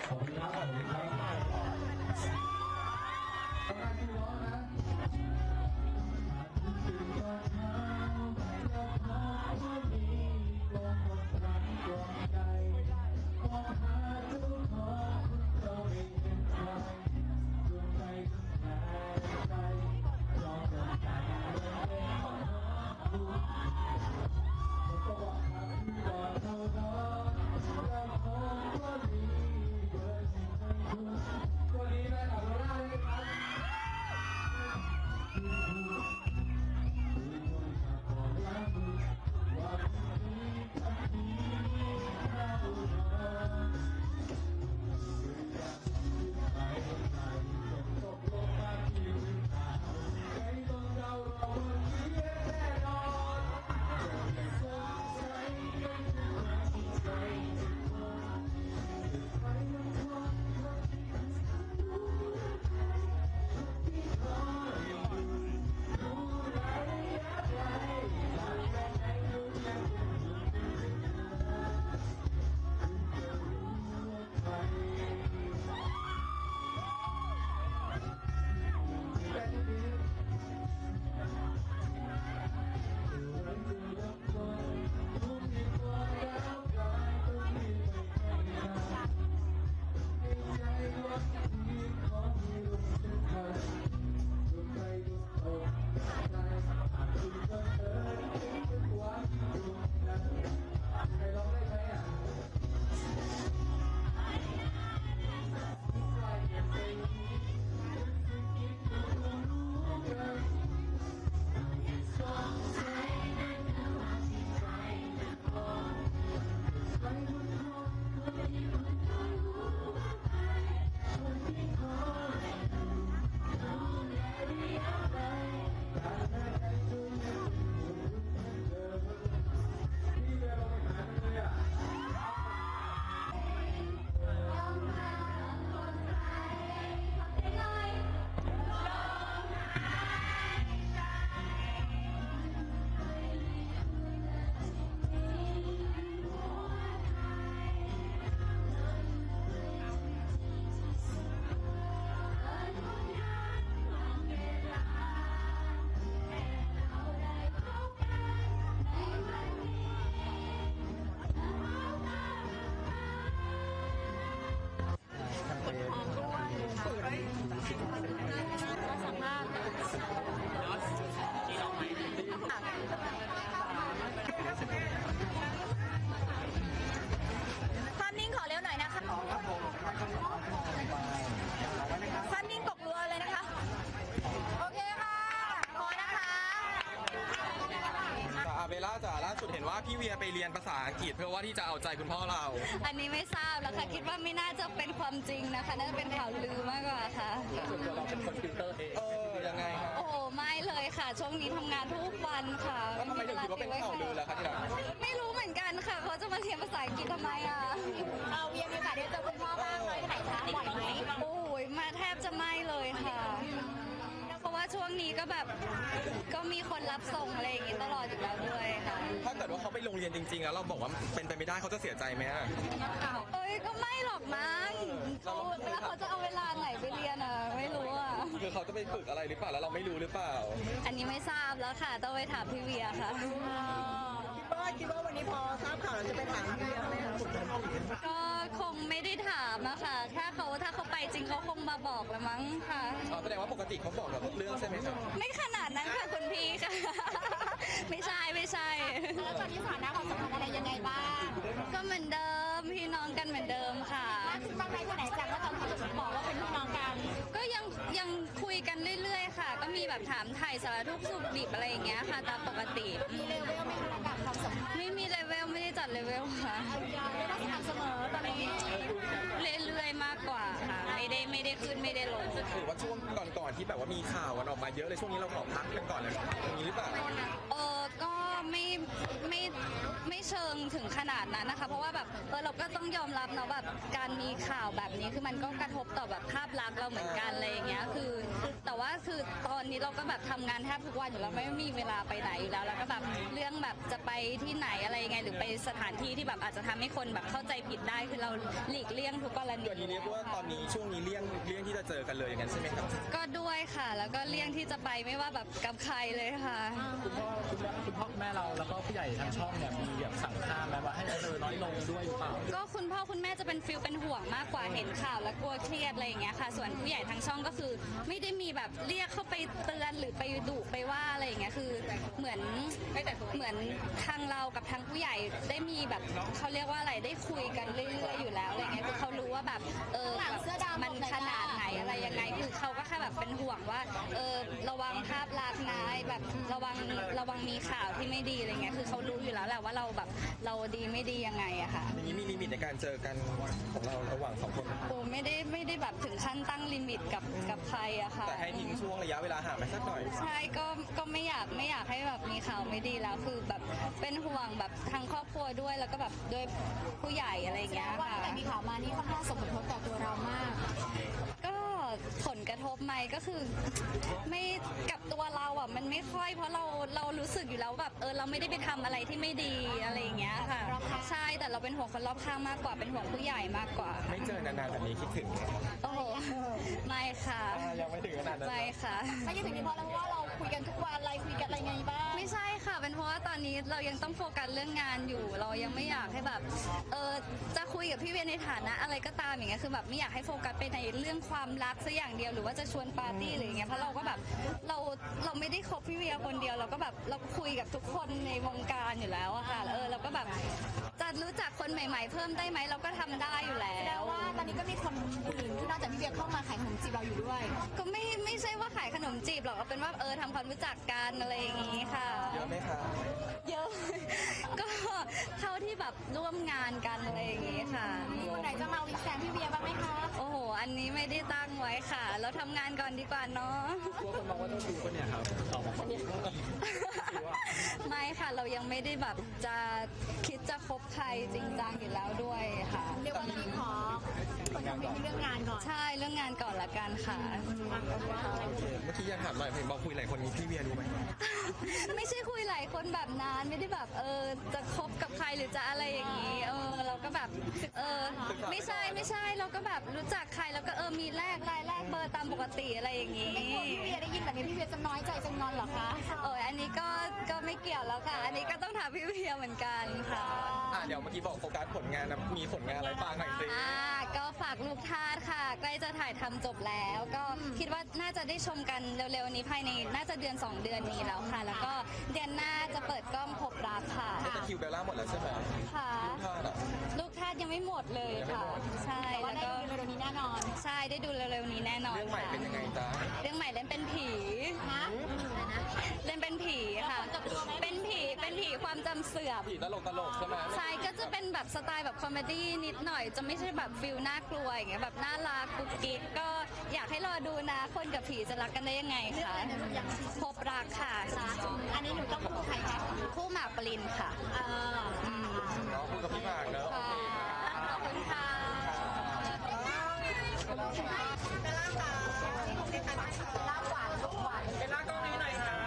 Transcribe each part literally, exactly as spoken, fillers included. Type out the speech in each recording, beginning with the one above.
ขอบคุณครับขอบคุณครับต้องการที่ร้องนะตื่นตอนเช้าแล้วพอว่ามีลมบนรังดวงใจมองหาทุกคนเราไม่เห็นใครดวงใจแทนใจรอเดินทางเดินเองของเราผมก็บอกครับที่ก่อนเท่านั้นแล้วผมก็มีเบอร์ที่ให้คุณตัวนี้แม่กับโรล่าเลยครับความนิ่งขอเร็วหน่อยนะคะความนิ่งตกรัวเลยนะคะโอเคค่ะพอนะคะอาเบล่าจ๋าล่าสุดเห็นว่าพี่เวียไปเรียนภาษาอังกฤษเพื่อว่าที่จะเอาใจคุณพ่อเราอันนี้ไม่ทราบแล้วค่ะคิดว่าไม่น่าจะเป็นความจริงนะคะน่าจะเป็นข่าวลือมากกว่าค่ะส่วนตัวเราเป็นคนฟิลเตอร์เองเออยังไงครับโอ้โหไม่เลยค่ะช่วงนี้ทำงานทุกวันค่ะแล้วทำไมถึงคิดว่าเป็นข่าวลือล่ะคะที่รักไม่รู้เหมือนกันค่ะเขาจะมาเรียนภาษาอังกฤษทำไมอ่ะเราเวียนมีโอกาสได้เจอคุณพ่อบ้างไหมไหนคะบ่อยไหมโอ้ยมาแทบจะไม่เลยค่ะเพราะว่าช่วงนี้ก็แบบก็มีคนรับส่งอะไรอย่างงี้ตลอดอยู่แล้วด้วยค่ะถ้าเกิดว่าเขาไปโรงเรียนจริงๆแล้วเราบอกว่าเป็นไปไม่ได้เขาจะเสียใจไหมอะเอ้ยก็ไม่หรอกมั้งเขาแล้วเขาจะเอาเวลาไหนไปเรียนอ่ะไม่รู้อ่ะคือเขาจะไปฝึกอะไรหรือเปล่าแล้วเราไม่รู้หรือเปล่าอันนี้ไม่ทราบแล้วค่ะต้องไปถามพี่เวียค่ะคิดว่าคิดว่าวันนี้พอทราบข่าวเราจะไปถามพี่เวียไหมคะก็คงไม่ได้ถามอะค่ะถ้าเขาถ้าเขาไปจริงเขาคงมาบอกละมั้งค่ะอ๋อแสดงว่าปกติเขาบอกเราทุกเรื่องใช่ไหมครับไม่ขนาดนั้นค่ะคุณพี่ค่ะ ไม่ใช่ไม่ใช่แล้วตอนนี้สถานะความสัมพันธ์อะไรยังไงบ้างก็เหมือนเดิมพี่น้องกันเหมือนเดิมค่ะมากขึ้นบ้างไหมคนไหนจากว่าตอนที่เราบอกว่าเป็นพี่น้องกันก็ยังยังคุยกันเรื่อยๆค่ะ ก็มีแบบถามไถ่สารทุกข์สุขดิบอะไรอย่างเงี้ยค่ะตามปกติมีเลเวลไหมคะระดับความสัมพันธ์ไม่มีเลเวลไม่ได้จัดเลเวลค่ะเอายาวไม่ต้องสม่ำเสมอตอนนี้เรื่อยๆมากกว่าค่ะ ไม่ได้ไม่ได้ขึ้นไม่ได้ลงหรือว่าช่วงก่อนๆที่แบบว่ามีข่าวกันออกมาเยอะเลยช่วงนี้เราขอพักกันก่อนเลยอย่างนี้หรือเปล่าเออก็ไม่ไม่ไม่เชิงถึงขนาดนั้นนะคะ เพราะว่าแบบเออเราก็ต้องยอมรับนะแบบการมีข่าวแบบนี้คือมันก็กระทบต่อแบบภาพลักษณ์เราเหมือนกันอะไรอย่างเงี้ยคือ แต่ว่าคือตอนนี้เราก็แบบทำงานแทบทุกวันอยู่แล้วไม่มีเวลาไปไหนอยู่แล้วแล้วก็แบบเรื่องแบบจะไปที่ไหนอะไรยังไงหรือไปสถานที่ที่แบบอาจจะทำให้คนแบบเข้าใจผิดได้คือเราหลีกเลี่ยงทุกกรณีเดี๋ยวนี้เรียกว่าตอนนี้ช่วงนี้เลี่ยงเลี่ยงที่จะเจอกันเลยอย่างนั้นใช่ไหมครับก็ด้วยค่ะ แล้วก็เลี่ยงที่จะไปไม่ว่าแบบกับใครเลยค่ะคุณพ่อคุณแม่คุณพ่อคุณแม่เราแล้วก็ผู้ใหญ่ทางช่องเนี่ยมีแบบสั่งห้ามไหมว่าให้เจอน้อยลงด้วยหรือเปล่าก็คุณพ่อคุณแม่จะเป็นฟิลเป็นห่วงมากกว่าเห็นข่าวแล้วกลัวเครียดอะไรอย่างเงี้ยค่ะ ส่วนผู้ใหญ่ทางช่องก็คือ ไม่ได้มีแบบเรียกเข้าไปเตือนหรือไปดุไปว่าอะไรอย่างเงี้ยคือเหมือนเหมือนทางเรากับทางผู้ใหญ่ได้มีแบบเขาเรียกว่าอะไรได้คุยกันเรื่อยๆอยู่แล้วอะไรเงี้ยคือเขารู้ว่าแบบเออแบบมันขนาดไหนอะไรยังไงคือเขาก็แค่แบบเป็นห่วงว่าเออระวังภาพลักษณ์นะแบบระวังระวังมีข่าวที่ไม่ดีอะไรเงี้ยคือเขารู้อยู่แล้วแหละว่าเราแบบเราดีไม่ดียังไงอะค่ะอย่างนี้มีลิมิตในการเจอกันของเราระหว่างสองคนโอ้ไม่ได้ไม่ได้แบบถึงขั้นตั้งลิมิตกับกับใครอะค่ะแต่ให้ทิ้งช่วงระยะเวลาห่างไปสักหน่อยใช่ก็ก็ไม่อยากไม่อยากให้แบบมีข่าวไม่ดีแล้วคือแบบเป็นห่วงแบบทางครอบครัวด้วยแล้วก็แบบด้วยผู้ใหญ่อะไรอย่างเงี้ยว่าค่ะแต่มีข่าวมานี่ค่อนข้างส่งผลกระทบต่อตัวเรามากก็ผลกระทบไหมก็คือไม่กับตัวเราอ่ะมันไม่ค่อยเพราะเราเรารู้สึกอยู่แล้วแบบเออเราไม่ได้ไปทำอะไรที่ไม่ดีอะไรอย่างเงี้ยค่ะใช่แต่เราเป็นห่วงคนรอบข้างมากกว่าเป็นห่วงผู้ใหญ่มากกว่าไม่เจอนานๆแบบนี้คิดถึงโอ้โหไม่ค่ะอ่ายังไม่ถึงขนาดนั้นไม่ค่ะไม่ใช่ถึงนี้เพราะเราว่าเราคุยกันทุกวันอะไรคุยกันอะไรไงบ้างไม่ใช่ค่ะ เป็นเพราะว่าตอนนี้เรายังต้องโฟกัสเรื่องงานอยู่ เรายังไม่อยากให้แบบ เออจะคุยกับพี่เวียในฐานะอะไรก็ตามอย่างเงี้ย คือแบบไม่อยากให้โฟกัสไปในเรื่องความรักซะอย่างเดียว หรือว่าจะชวนปาร์ตี้หรืออย่างเงี้ย เพราะเราก็แบบ เราเราไม่ได้คบพี่เวียคนเดียว เราก็แบบเราคุยกับทุกคนในวงการอยู่แล้วอะค่ะ เออเราก็แบบจะรู้จักคนใหม่ ๆ เพิ่มได้ไหมเราก็ทำได้อยู่แล้แปลวว่าตอนนี้ก็มีคนอื่นที่นอกจากพี่เวียเข้ามาขายขนมจีบเราอยู่ด้วยก็ไม่ไม่ใช่ว่าขายขนมจีบหรอกเอาเป็นว่าเออทำความรู้จักกันอะไรอย่างงี้ค่ะเยอะไหมคะเยอะ ก็เท่าที่แบบร่วมงานกันอะไรอย่างงี้ค่ะมีคนไหนจะมาวิงแซงพี่เวียบ้างไหมคะโอ้โห อันนี้ไม่ได้ตั้งไว้ค่ะ เราทำงานก่อนดีกว่าเนาะกลัวคนมองว่าต้องดูคนเนี่ยครับสองคนเนี่ยไม่ค่ะ เรายังไม่ได้แบบจะคิดจะคบใครจริงจังอยู่แล้วด้วยค่ะเรียกว่าตอนนี้ขอคนทำเป็นเรื่องงานก่อนใช่เรื่องงานก่อนละกันค่ะโอเคเมื่อกี้ยังถามหน่อยเห็นบอกคุยหลายคนมีพี่เวียรู้ไหมไม่ใช่คุยหลายคนแบบนั้นไม่ได้แบบเออจะคบกับใครหรือจะอะไรอย่างนี้เออเราก็แบบเออไม่ใช่ไม่ใช่เราก็แบบรู้จักใครแล้วก็เออมีแลกไลน์แลกเบอร์ตามปกติอะไรอย่างนี้พี่เวียได้ยินแบบนี้พี่เวียจะน้อยใจจะงอนเหรอคะโอ้ยอันนี้ก็ก็ไม่เกี่ยวแล้วค่ะ อันนี้ก็ต้องถามพี่เวียเหมือนกันค่ะอ่ะเดี๋ยวเมื่อกี้บอกโฟกัสผลงานนะมีผลงานอะไรบ้างหน่อยสิอ่าก็ฝากลูกทาสค่ะ ใกล้จะถ่ายทำจบแล้ว ก็คิดว่าน่าจะได้ชมกันเร็วๆนี้ภายในน่าจะเดือนสองเดือนนี้แล้วค่ะ แล้วก็เดือนหน้าจะเปิดกล้องพบรักค่ะแต่คิวเบลล่าหมดแล้วใช่ไหมค่ะพลาดอ่ะลูกทาสยังไม่หมดเลยค่ะ ใช่แต่ว่าแล้วได้ก็ดูเร็วๆนี้แน่นอนใช่ได้ดูเร็วๆนี้แน่นอนเรื่องใหม่ค่ะเป็นยังไงจ๊ะเรื่องใหม่เล่นเป็นผีฮะเล่นเป็นผีค่ะ เป็นผีเป็นผีความจำเสื่อมผีตลกตลกๆใช่ไหมใช่ก็จะเป็นแบบสไตล์แบบคอมเมดี้นิดหน่อย จะไม่ใช่แบบฟิลน่ากลัวอย่างเงี้ยแบบน่ารักกุ๊กกิ๊กก็อยากให้รอดูนะคนกับผีจะรักกันได้ยังไงคะพบรักค่ะอันนี้หนูต้องพูดใครคะคู่หมากปรินค่ะเอออืมเนาะคุยกับพี่หมากเนอะค่ะขอบคุณค่ะลาบหวานลูกหวานเป็นหน้ากล้องนี้หน่อยครับ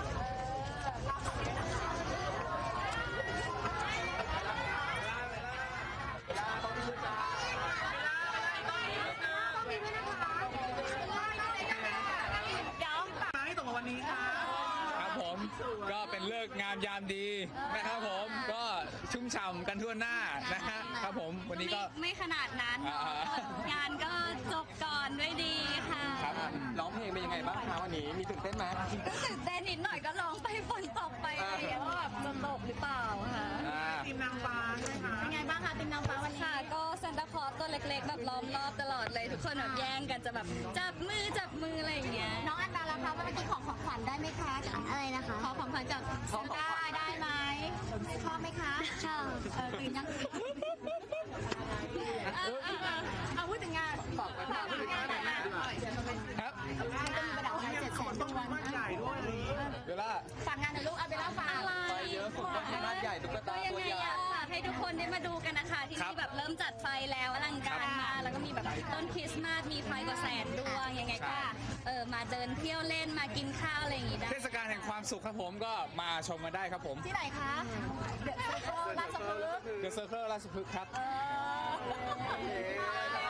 ครับผมก็เป็นเลิกษ์งามยามดีนะครับผมก็ชุ่มฉ่ำกันทั่วหน้านะฮะครับผมวันนี้ก็ไม่ไม่ขนาดนั้นเนอะอ่างานก็จบก่อนด้วยดีค่ะครับร้องเพลงเป็นยังไงบ้างคะวันนี้มีตื่นเต้นไหมก็ตื่นเต้นนิดหน่อยก็ร้องไปฝนตกไปอะไรอย่างเงี้ยว่าแบบจะตกหรือเปล่าค่ะอ่าเป็นไงบ้างคะติมน้ำฟ้าวันนี้ค่ะก็ซานตาคลอสตัวเล็กๆ แบบล้อมรอบตลอดเลย ทุกคนแบบแย่งกันจะแบบจับมือจับมืออะไรอย่างเงี้ยน้องอันดาล่ะคะเมื่อกี้ของของขวัญได้ไหมคะอะไรนะคะขอของขวัญจากซันต้าได้ไหมชอบไหมคะชอบเออตื่นยังเออเออเออเอาพูดถึงงานฝากฝากพูดถึงงานหน่อยนะครับ ก็มีประดับงานเจ็ดแสนดวงเวลาฝากงานหน่อยลูกเอาไปเล่าฝากอะไรไปเยอะสุดก็คือบ้านใหญ่ตุ๊กตาก็ยังตัวไงใหญ่อยากฝากให้ทุกคนได้มาดูกันนะคะที่ครับนี่แบบเริ่มจัดไฟแล้วอลังการมากแล้วก็มีแบบต้นคริสต์มาสมีไฟกว่าแสนดวงยังไงก็เออมาเดินเที่ยวเล่นมากินข้าวอะไรอย่างงี้ได้เทศกาลแห่งความสุขครับผมก็มาชมมาได้ครับผมที่ไหนคะเดอะเซ็นทรัลราชพ The Circle ราชพฤกษ์ครับโอเค